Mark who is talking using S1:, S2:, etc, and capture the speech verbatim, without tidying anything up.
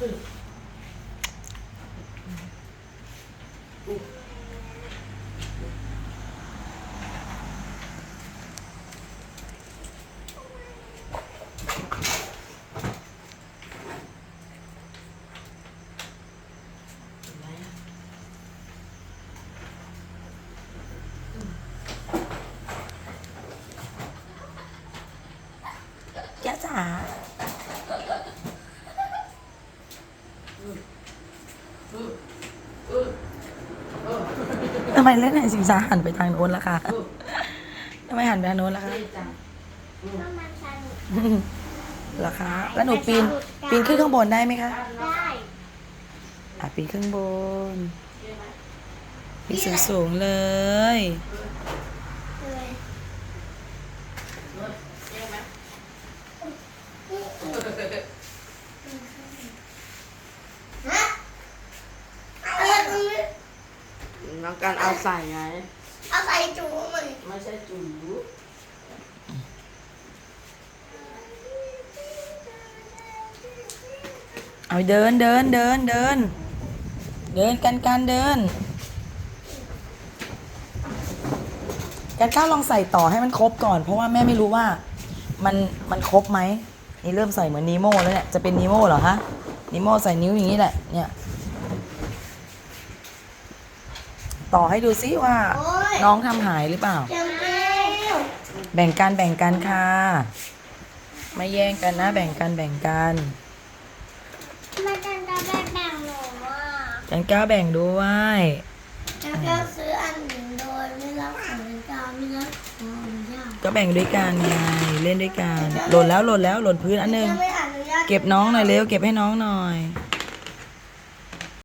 S1: ย่าจ๋าทำไมเล่นไหนสิงสาหันไปทางโน้นล่ะคะทำไมหันไปทางโน้นล่ะคะล่ะคะแล้วหนูปีนปีนขึ้นข้างบนได้ไหมคะ
S2: ได้
S1: อ่ะปีนขึ้นบนปีนสูงสูงเลย
S3: น้องการเอาใส่ไง
S2: เอาใส่จูมัน
S3: ไม่ใช่จู
S1: เอาเดินเดินเดินเดินเดินกันการเดินการข้าวลองใส่ต่อให้มันครบก่อนเพราะว่าแม่ไม่รู้ว่ามันมันครบไหมนี่เริ่มใส่เหมือนนีโม่แล้วเนี่ยจะเป็นนีโม่เหรอฮะนีโม่ใส่นิ้วอย่างนี้แหละเนี่ยต่อให้ดูซิว่าน้องทำหายหรือเปล่าแบ่งกันแบ่งกันค่ะไม่แย่งกันนะแบ่งกันแบ่งกัน
S2: มันจะจะแบ่งแบ่งหนูอ่ะ
S1: จันก้าแบ่งด้วย
S2: แล้วก็ซื้ออันหนึ่งโดยไม่รับของเจ้าไม่รับของเจ้า
S1: ก็แบ่งด้วยกันไงเล่นด้วยกันหล่นแล้วหล่นแล้วหล่นพื้นอันหนึ่งเก็บน้องหน่อยเร็วเก็บให้น้องหน่อย